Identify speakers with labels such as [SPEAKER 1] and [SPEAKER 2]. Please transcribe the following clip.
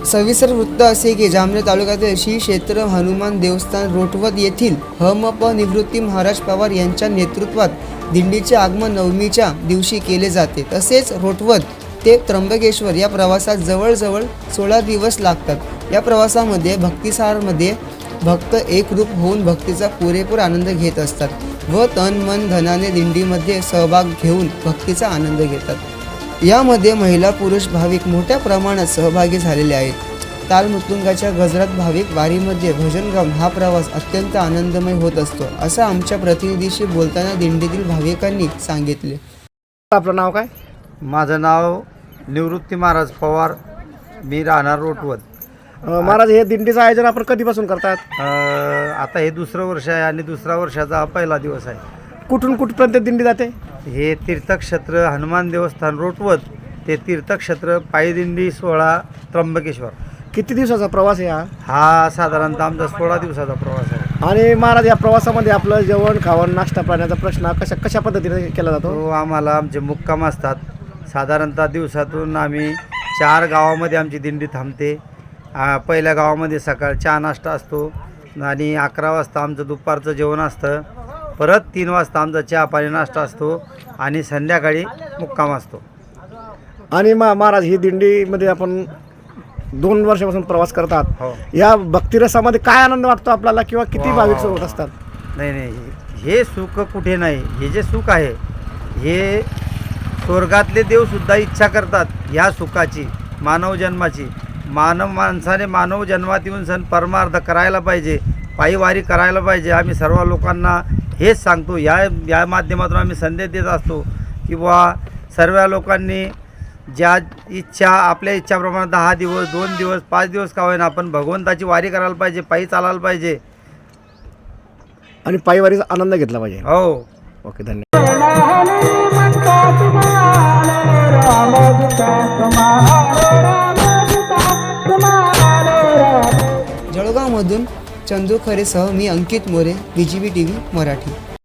[SPEAKER 1] सविस्तर वृत्त असे की जामनेर तालुक्यातील श्री क्षेत्र हनुमान देवस्थान रोटवत येथील हम.प. निवृत्ती महाराज पवार यांच्या नेतृत्वात दिंडीचे आगमन नवमीच्या दिवशी केले जाते। तसेच रोटवत ते त्र्यंबकेश्वर या प्रवासात जवळजवळ 16 दिवस लागतात। या प्रवासामध्ये भक्तिसारमध्ये भक्त एकरूप होऊन भक्तीचा पुरेपूर आनंद घेत असतात व तन मन धनाने दिंडीमध्ये सहभाग घेऊन भक्तीचा आनंद घेतात। यामध्ये महिला पुरुष भाविक मोठ्या प्रमाणात सहभागी झालेले आहेत। ताल मृदुंगाच्या गजरात भाविक वारीमध्ये भजन गाऊन हा प्रवास अत्यंत आनंदमय होत असतो, असं आमच्या प्रतिनिधीशी बोलताना दिंडीतील भाविकांनी सांगितले।
[SPEAKER 2] आपलं नाव काय?
[SPEAKER 3] माझं नाव निवृत्ती महाराज पवार, मी राहणार रोटवत।
[SPEAKER 2] महाराज, हे दिंडीचं आयोजन आपण कधीपासून करतात?
[SPEAKER 3] आता हे दुसरं वर्ष आहे आणि दुसरा वर्षाचा पहिला दिवस आहे।
[SPEAKER 2] कुठून कुठपर्यंत दिंडी जाते?
[SPEAKER 3] हे तीर्थक्षेत्र हनुमान देवस्थान रोटवत ते तीर्थक्षेत्र पायी दिंडी 16 त्र्यंबकेश्वर।
[SPEAKER 2] किती दिवसाचा प्रवास आहे
[SPEAKER 3] हा साधारणतः आमचा 16 दिवसाचा प्रवास आहे।
[SPEAKER 2] आणि महाराज, या प्रवासामध्ये आपलं जेवण खावण नाश्ता पाण्याचा प्रश्न कशा पद्धतीने केला जातो?
[SPEAKER 3] तो आम्हाला आमचे मुक्काम असतात। साधारणतः दिवसातून आम्ही 4 गावामध्ये आमची दिंडी थांबते। पहिल्या गावामध्ये सकाळ चहा नाश्ता असतो आणि 11 वाजता आमचं दुपारचं जेवण असतं। परत 3 वाजता आमचा चहा पाणी नाश्ता असतो आणि संध्याकाळी मुक्काम असतो।
[SPEAKER 2] आणि महाराज, ही दिंडीमध्ये आपण 2 वर्षापासून प्रवास करतात।
[SPEAKER 3] हो।
[SPEAKER 2] या भक्तिरसामध्ये काय आनंद वाटतो आपल्याला किंवा किती भाविक सोबत असतात?
[SPEAKER 3] नाही, हे सुख कुठे नाही। हे जे सुख आहे हे स्वर्गातले देवसुद्धा इच्छा करतात ह्या सुखाची, मानव जन्माची। माणसाने मानव जन्मात येऊन सण परमार्थ करायला पाहिजे, पायी वारी करायला पाहिजे। आम्ही सर्व लोकांना हेच सांगतो, या माध्यमातून आम्ही संदेश देत असतो की बुवा सर्व लोकांनी ज्या इच्छा आपल्या इच्छाप्रमाणे 10 दिवस 2 दिवस 5 दिवस का होईना आपण भगवंताची वारी करायला पाहिजे, पायी चालायला पाहिजे
[SPEAKER 2] आणि पायी वारीचा आनंद घेतला पाहिजे।
[SPEAKER 3] हो,
[SPEAKER 2] ओके, धन्यवाद।
[SPEAKER 1] जळगावमधून चंदू खरेसह मी अंकित मोरे, BGB TV मराठी।